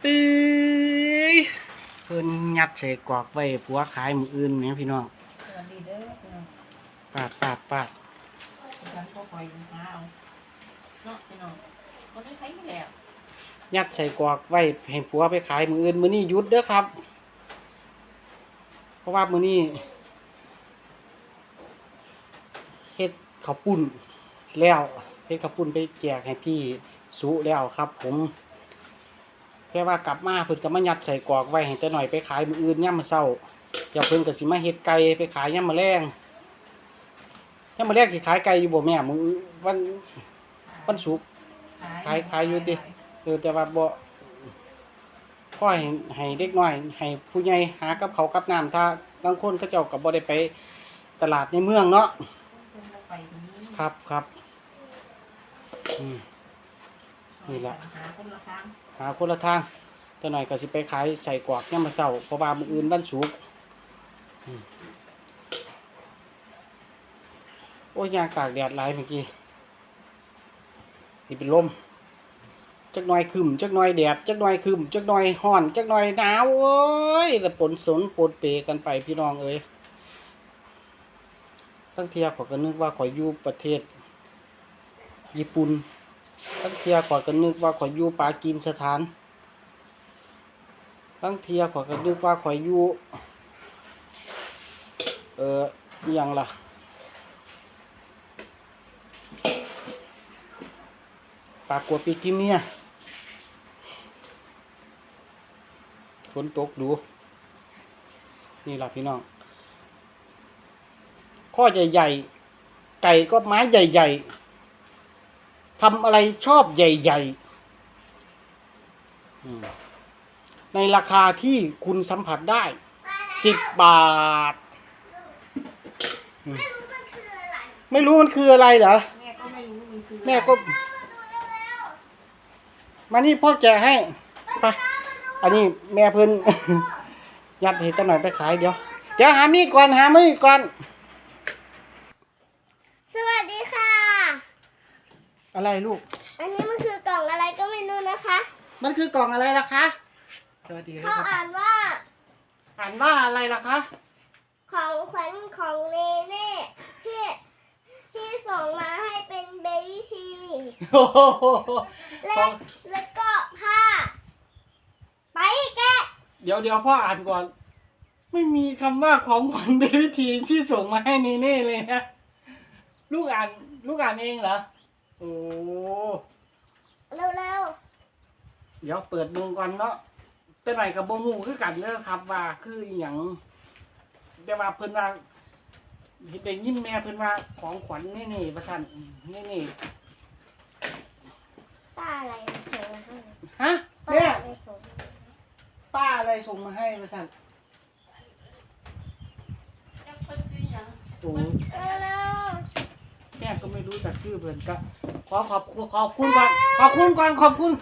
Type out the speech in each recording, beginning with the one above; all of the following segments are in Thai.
ตื้อเพิ่นยัดใส่กรอกไว้ผัวขายมื้ออื่นแหมพี่น้องสวัสดีเด้อพี่น้องปาดฉันก็คอยหาเอาเนาะพี่น้องคนนี้ใครไม่แล้วยัดใส่กรอกไว้ให้ผัวไปขายมื้ออื่นมื้อนี้หยุดเด้อครับเพราะว่ามื้อนี้เฮ็ดข้าวปุ้นแล้วเฮ็ดข้าวปุ้นไปแจกให้พี่สุแล้วครับผมแค่ว่ากลับมาเพิ่นก็มายัดใส่กรอกไว้ให้แต่หน่อยไปขายมื้ออื่นยามมื้อเช้าเดี๋ยวเพิ่นก็สิมาเฮ็ดไก่ไปขายยามมื้อแลงยามมื้อแลงสิขายไก่อยู่บ่แม่มื้อวันศุกร์ขายอยู่ติแต่ว่าบ่ขอให้เด็กน้อยให้ผู้ใหญ่หากับข้าวกับน้ำถ้าบางคนเขาเจ้าก็บ่ได้ไปตลาดในเมืองเนาะครับนี่ล่ะหาคนละทางแต่หน่อยก็สิไปขายใส่กรอกยามมื้อเช้าเพราะว่ามื้ออื่นวันศุกร์โอ้ยยางตากแดดหลายเมื่อกี้นี่เป็นลมจักหน่อยคึมจักหน่อยแดดจักหน่อยคึมจักหน่อยร้อนจักหน่อยหนาวเอ้ยแล้วปนเปกันไปพี่น้องเอ้ยตั้งเที่ยข้อยก็นึกว่าข้อยอยู่ประเทศญี่ปุ่นตั้งเที่ยข้อยก็นึกว่าข้อยอยู่ปากีสถานตั้งเที่ยข้อยก็นึกว่าข้อยอยู่อิหยังล่ะปากกัวปีกิมเนี่ยฝนตกดูนี่ล่ะพี่น้องข้อใหญ่ๆไก่ก็ไม้ใหญ่ๆทำอะไรชอบใหญ่ๆในราคาที่คุณสัมผัสได้10 บาทไม่รู้มันคืออะไรเหรอแม่ก็ไม่รู้มันคือแม่ก็มานี่พ่อแกะให้ไปอันนี้แม่เพิ่น ยัดให้ตะหน่อยไปขายเดี๋ยวหามีดก่อนสวัสดีค่ะอะไรลูกอันนี้มันคือกล่องอะไรก็ไม่รู้นะคะมันคือกล่องอะไรล่ะคะสวัสดีครับเขาอ่านว่าอะไรล่ะคะของขวัญของเนเน่ที่ส่งมาให้เป็นเบบี้ทีแล้วก็ผ้าไปแกะเดี๋ยวพ่ออ่านก่อนไม่มีคำว่าของขวัญเบบี้ทีที่ส่งมาให้เนเน่เลยนะลูกอ่านเองเหรอโอ้เร็วเดี๋ยวเปิดมุงก่อนเนาะแต่ไหนกับโบงูคือกันเด้อครับว่าคืออหย่างแต่ว่าเพิ่นว่าเห็นได้ยินแม่เพิ่นว่าของขวัญนี่ประท่านนี่ป้าอะไรส่งมาให้ฮะแม่ป้าอะไรส่งมาให้ประท่านโอ้แม่ก็ไม่รู้จักชื่อเพิ่นก็ขอบคุณก่อนขอบคุณค่ะขอบคุณ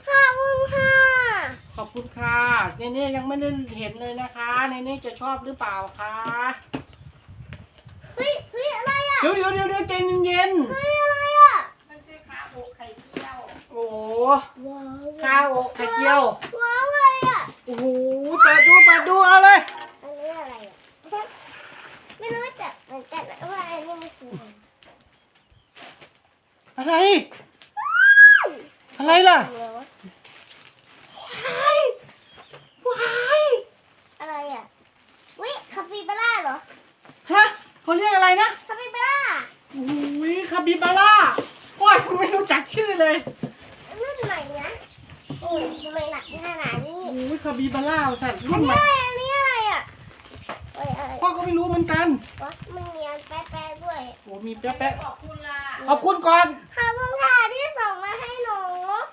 ค่ะเนเน่ยังไม่ได้เห็นเลยนะคะเนเน่จะชอบหรือเปล่าคะเฮ้ยอะไรอ่ะเดี๋ยวใจเย็นเฮ้ยอะไรอ่ะมันชื่อข้าวอกไข่เจียวโอ้ข้าวอกไข่เจียวว้าวอะไรอ่ะโอ้โหเปิดดูเอาเลยอันนี้อะไรอ่ะไม่รู้จักเหมือนกันว่าอันนี้มันคืออะไรล่ะว้ายอะไรอ่ะวิคาปิบาร่าเหรอฮะเขาเรียกอะไรนะคาปิบาร่าโอ้ยคาปิบาร่าโอ้ยไม่รู้จักชื่อเลยรุ่นใหม่นะโอ้ยทำไมหนักขนาดนี้โอ้ยคาปิบาร่าสัตว์รุ่นใหม่อันนี้อะไรอ่ะพ่อก็ไม่รู้เหมือนกันมันมีอันแป๊ะด้วยโอ้มีแป๊ะขอบคุณล่ะขอบคุณก่อนขอบคุณค่ะที่ส่งมาให้หนู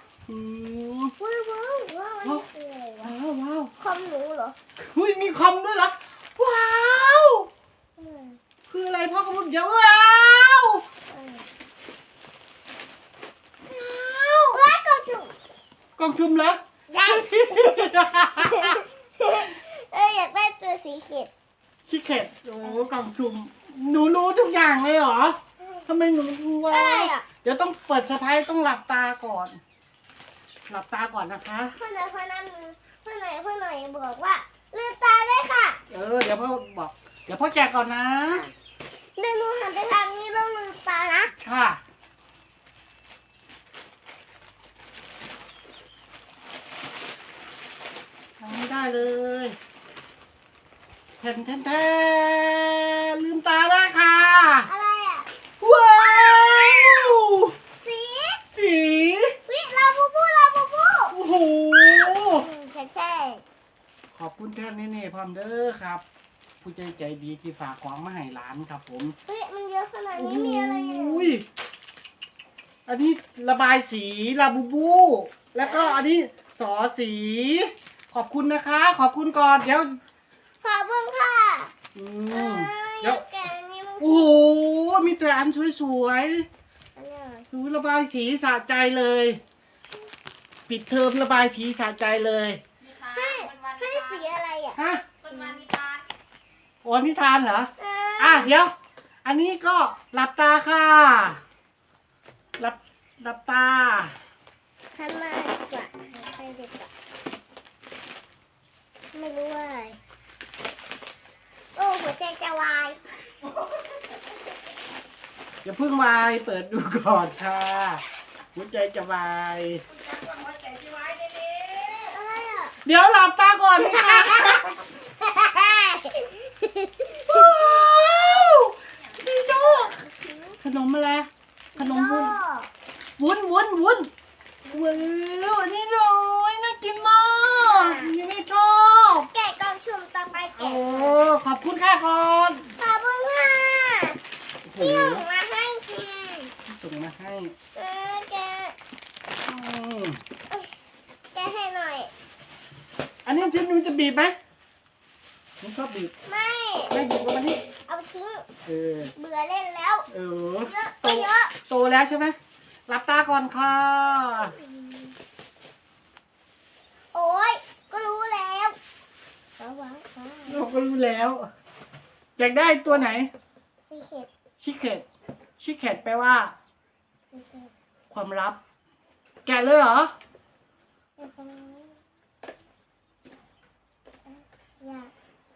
ว้าวคอมหนูเหรอเฮ้ยมีคอมด้วยเหรอว้าวคืออะไรพ่อก็พูดเดี๋ยวว้าวกล่องชุมเหรออยากได้ตัวสีเข็ดโอ้กล่องชุมหนูรู้ทุกอย่างเลยเหรอทำไมหนูรู้ว่าเดี๋ยวต้องเปิดสะพายต้องหลับตาก่อนนะคะพ่อพ่อหน่อยบอกว่าลืมตาได้ค่ะเดี๋ยวพ่อบอก เดี๋ยวพ่อแจกก่อนนะเดี๋ยวหนูหันไปทางนี้แล้วลืมตานะค่ะทำไม่ได้เลยแทนลืมตาได้ค่ะอะไรอ่ะว้าวสีสีวิลาบูบูโอ้โหใช่ขอบคุณแท่นนี่พร้อมเด้อครับ ผู้ใจดีที่ฝากของมาให้ร้านครับผมเฮ้ยมันเยอะขนาดนี้มีอะไรอยู่อุ้ยอันนี้ระบายสีลาบูบู แล้วก็อันนี้สอสี ขอบคุณนะคะ ขอบคุณก่อนเดี๋ยวขอบคุณค่ะอืมเดี๋เดี๋ยยว วแกะอันนี้มันโอ้โหมีแต่อันสวยอันเนี้ยๆดูระบายสีสะใจเลย ปิดเทอมระบายสีสะใจเลยนิทานให้มันวันให้นิสีทานอะไรอ่ะฮะมันวันนิทานโอ้นิทานเหรออ่ะเดี๋ยว อันนี้ก็หลับตาค่ะหลับตาทำมาดีกว่าไปดีกว่าไม่รู้ว่าอะไรโอ้หัวใจจะวายอย่าเพิ่งวายเปิดดูก่อนค่ะหัวใจจะวายคุณจักรวางหัวใจที่ไว้ได้เลยอะไรอ่ะเดี๋ยวหลับตาก่อนค่ะว้าวดีโดขนมอะไรขนมวุ้นวุ้นว้าวอันนี้เลยน่ากินมากยังไม่ชอบแกะกล่องสุ่มต่อไปโอ้แกะขอบคุณค่ะก่อนขอบคุณค่ะโอ้โหที่ส่งมาให้ค่ะส่งมาให้แกะอืมแกะให้หน่อยอันนี้ทิพย์มันจะบีบไหมผมชอบบีบไม่ไม่บีบก็มานี่เอาไปทิ้งเออเบื่อเล่นแล้วเออเยอะก็เยอะโตแล้วใช่ไหมหลับตาก่อนค่ะโอ้ยก็รู้แล้วว้าวเราก็รู้แล้ว อยากได้ตัวไหนสีเข็ดชิเคตแปลว่าสีเข็ดความลับ แกะเลยเหรอเดี๋ยวตรงนี้อยาก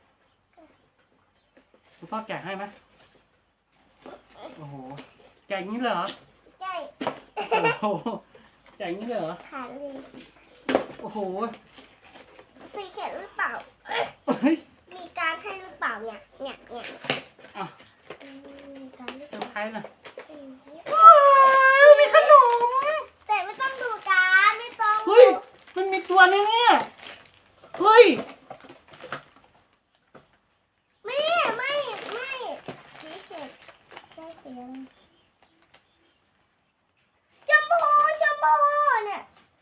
คุณพ่อแกะให้ไหมโอ้โห แกะอย่างนี้เลยเหรอใช่โอ้โห แกะอย่างนี้เลยเหรอขาดเลยโอ้โหสีเข็ดหรือเปล่าเฮ้ยมีการให้หรือเปล่าเนี่ยอ่ะมีการหรือเซเปอร์ไพรล่าส์น่ะว้าวมีขนมแต่ไม่ต้องดูการไม่ต้องเฮ้ย มันมีตัวนี้เนี่ย เฮ้ยไม่สีเข็ดได้สีอะไรชมพูเนี่ย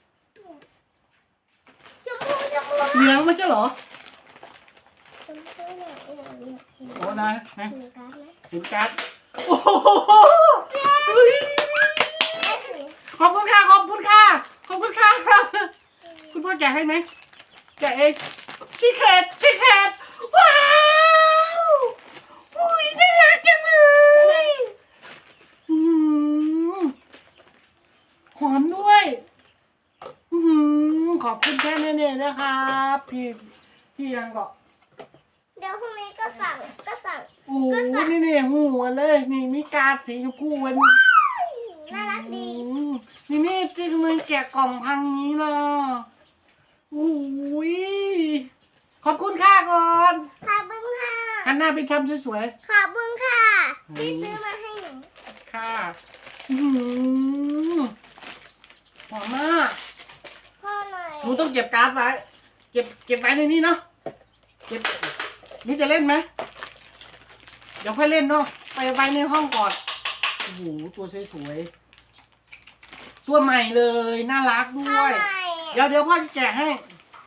ชมพูเหลืองไม่ใช่เหรอชมพูเนี่ยเห็นโอ้นายนะการ์ดไหมเห็นการ์ดโอ้โหเฮ้ยได้สีขอบคุณค่ะ ขอบคุณค่ะ ขอบคุณค่ะ คุณพ่อแกะให้ไหมแกะเองชิคเกตว้าวอุ้ยน่ารักจังเลยอืมหอมด้วยอืมขอบคุณแค่นี้เนี่ยนะครับพี่ยังก็เดี๋ยวพรุ่งนี้ก็สั่งโอ้โหนี่หัวเลย นี่มีการ์ดสีชมพูเว้นน่ารักดีนี่ที่ทำไมแกะกล่องพังนี้ล่ะโอ้ยขอบคุณค่ะก่อนขอบคุณค่ะหันหน้าไปทำสวยขอบคุณค่ะที่ซื้อมาให้หนูๆค่ะอื้อหือหอมมากพ่อหน่อยหนูต้องเก็บการ์ดไว้เก็บไว้ในนี้เนาะเก็บหนูจะเล่นไหมเดี๋ยวค่อยเล่นเนาะไปไว้ในห้องก่อนโอ้โหตัวสวยๆตัวใหม่เลยน่ารักด้พ่อวยหน่อยเดี๋ยวพ่อจะแกะให้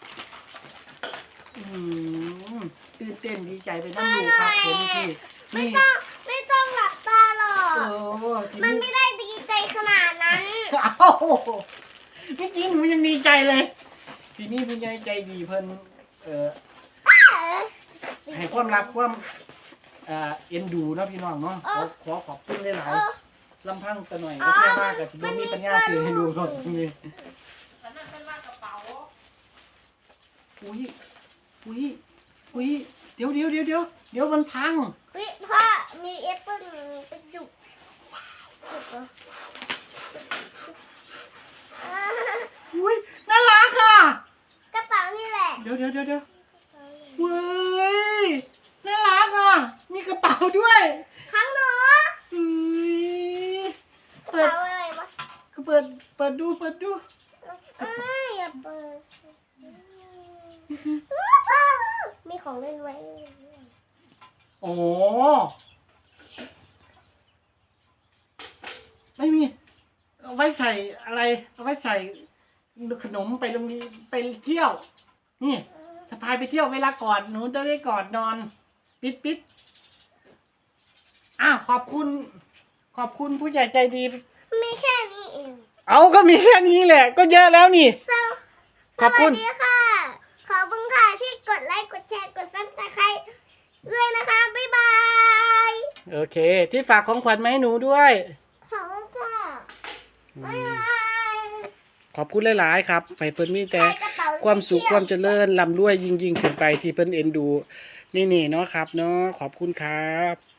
ตื่นเต้นดีใจไปนั่งดูครับผมที่ไม่นี่ต้องหลับตาหรอกทีมันนี้ไม่ได้ดีใจขนาดนั้นเอ้าเมื่อกี้หนูยังดีใจเลย ทีนี้ผู้ใหญ่ใจดีเพิ่นให้ความรักความเอ็นดูเนาะพี่น้องเนาะขอขอบคุณหลายๆลำพังแต่หน่อยก็แค่มากกับที่มีปัญญาซื้อให้ดูก่อนนี่อันนั้นเป็นว่ากระเป๋าอุ้ยอุ้ยอุ้ยเดี๋ยวมันพังวิพ่อมีแอปเปิ้ลกระจุกอ่าอุ้ยน่ารักอ่ะกระเป๋านี่แหละเดี๋ยวเว้ยน่ารักอ่ะมีกระเป๋าด้วยข้างหนูอุ้ยกระเป๋าอะไรวะเปิดดูอย่าเปิดมีของเล่นไว้โอ้ไม่มีเอาไว้ใส่อะไรเอาไว้ใส่ขนมไปโรงเรียนไปเที่ยวนี่สะพายไปเที่ยวเวลากอดหนูจะได้กอดนอนปิดอ้าวขอบคุณผู้ใหญ่ใจดีมีแค่นี้เองเอาก็มีแค่นี้แหละ ก็เยอะแล้วนี่ ขอบคุณสวัสดีค่ะ ขอบคุณค่ะที่กดไลค์ กดแชร์ กดซับสไครต์ด้วยนะคะ บ๊ายบายโอเค ที่ฝากของขวัญมาให้หนูด้วยขอบคุณค่ะ บ๊ายบายขอบคุณหลายๆครับไปเพิ่นมีแต่ใส่กระเป๋ความสุขไปความเที่ยเจริญร่ำรวยยิ่งขึ้นไปที่เพิ่นเอ็นดู นี่เนาะครับเนาะขอบคุณครับ